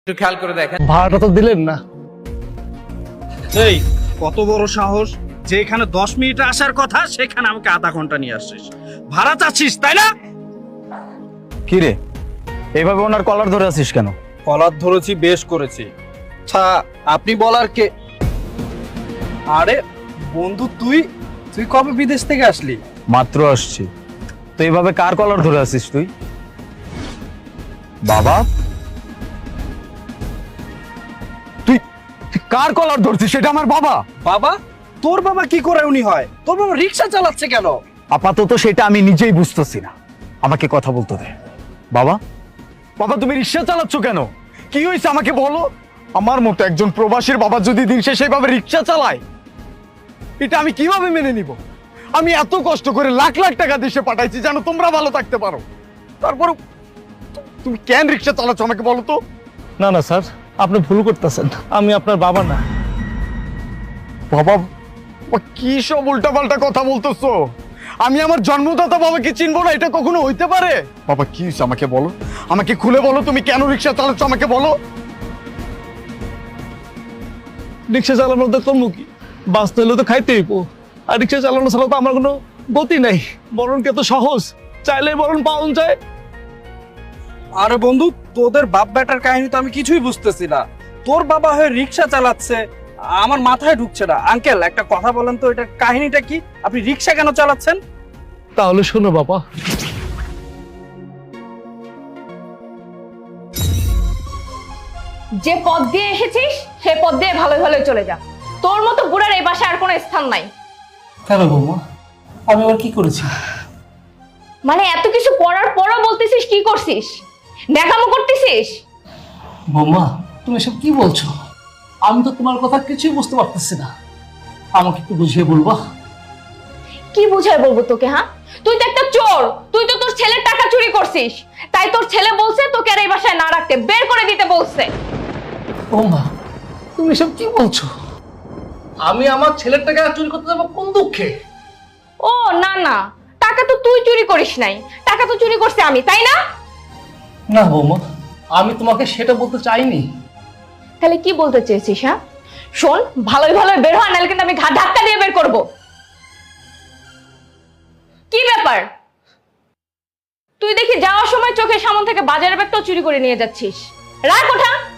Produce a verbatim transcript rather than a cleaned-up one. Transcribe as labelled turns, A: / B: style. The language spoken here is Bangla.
A: একটু খেয়াল করে দেখেন।
B: ভাড়াটা তো দিলেন না।
C: এই কত বড় সাহস যে এখানে দশ মিনিটে আসার কথা সেখানে আমাকে আধা ঘন্টা নিয়ে আসছিস, ভাড়া চাচ্ছিস তাই না?
B: কি রে, এইভাবে ওনার কলার ধরে আছিস কেন?
C: কলার ধরেছি, বেশ করেছি। আচ্ছা আপনি বলার কে? আরে বন্ধু, তুই তুই কবে বিদেশ থেকে আসলি?
B: মাত্র আসছি। তো এইভাবে কার কলার ধরে আছিস তুই? বাবা, তুই তুই কার কলার ধরছিস? সেটা আমার বাবা।
C: বাবা? তোর বাবা কি করে উনি হয়? তোর বাবা রিক্সা চালাচ্ছে কেন?
B: আপাতত সেটা আমি নিজেই বুঝতেছি না, আমাকে কথা বলতে দে। বাবা, বাবা তুমি রিক্সা চালাচ্ছ কেন? কি হয়েছে আমাকে বলো। আমার মতো একজন প্রবাসীর বাবা যদি দিন শেষে এইভাবে রিক্সা চালায়, এটা আমি কিভাবে মেনে নিব? আমি এত কষ্ট করে লাখ লাখ টাকা দেশে পাঠাইছি যেন তোমরা ভালো থাকতে পারো, তারপর তুমি কেন রিক্সা চালাচ্ছ আমাকে বলো তো।
D: না না স্যার, আপনি ভুল করতেছেন, আমি আপনার বাবা না।
B: বাবা, বাবা, কি সব উল্টাপাল্টা কথা বলতেছো? আমি আমার জন্মদাতা বাবাকে চিনবো না? এটা কখনো হইতে পারে? বাবা কি হয়েছে আমাকে বলো, আমাকে খুলে বলো, তুমি কেন রিক্সা চালাচ্ছ আমাকে বলো।
D: রিক্সা চালানোর তো করবো কি, বাঁচতে হলে তো খাইতে হইব। আর রিক্সা চালানো ছাড়া তো আমার কোনো গতি নাই। বরণ কে তো সহজ, চাইলে বরণ পাওয়া যায়।
C: আরে বন্ধু, তোদের বাপ বেটার কাহিনী তো আমি কিছুই বুঝতেছি না। তোর বাবা হয়ে রিক্সা চালাচ্ছে, আমার মাথায় ঢুকছে না। আঙ্কেল একটা কথা বলেন তো, এটার কাহিনীটা কি? আপনি রিক্সা কেন চালাচ্ছেন?
D: তাহলে শোনো বাবা,
E: যে পথ দিয়ে এসেছিস সেই পথ দিয়ে ভালোই ভালোই চলে যা। তোর মতো বুড়ার এই বাসায় আর কোনো স্থান নাই।
D: কেন বৌমা, আমি আবার কি করেছি?
E: মানে এত কিছু করার পরও বলতেছিস কি করছিস? দেখামো করতেছিস?
D: বৌমা তুমি এসব কি বলছো? আমি তো তোমার কথা কিছুই বুঝতে পারতেছি না, আমাকে একটু বুঝিয়ে বলবা?
E: কি বুঝাই বলবো তোকে? হ্যাঁ, তুই তো একটা চোর, তুই তো তোর ছেলের টাকা চুরি করছিস। তাই তোর ছেলে বলছে তোকে আর এই বাসায় না রাখতে, বের করে দিতে বলছে।
D: বৌমা তুমি এসব কি বলছো? আমি আমার ছেলের টাকা চুরি করতে যাবো কোন দুঃখে?
E: ও না না, টাকা তো তুই চুরি করিস নাই, টাকা তো চুরি করছে আমি, তাই না?
D: না বৌমা, আমি তোমাকে সেটা বলতে চাইনি।
E: তাহলে কি বলতে চেয়েছিস? হ্যাঁ শোন, ভালোই ভালোই বের হয়, নাহলে কিন্তু আমি ঘাট ধাক্কা দিয়ে বের করবো। কি ব্যাপার, তুই দেখি যাওয়ার সময় চোখের সামনে থেকে বাজারের ব্যাগটাও চুরি করে নিয়ে যাচ্ছিস। রাখ ওঠা।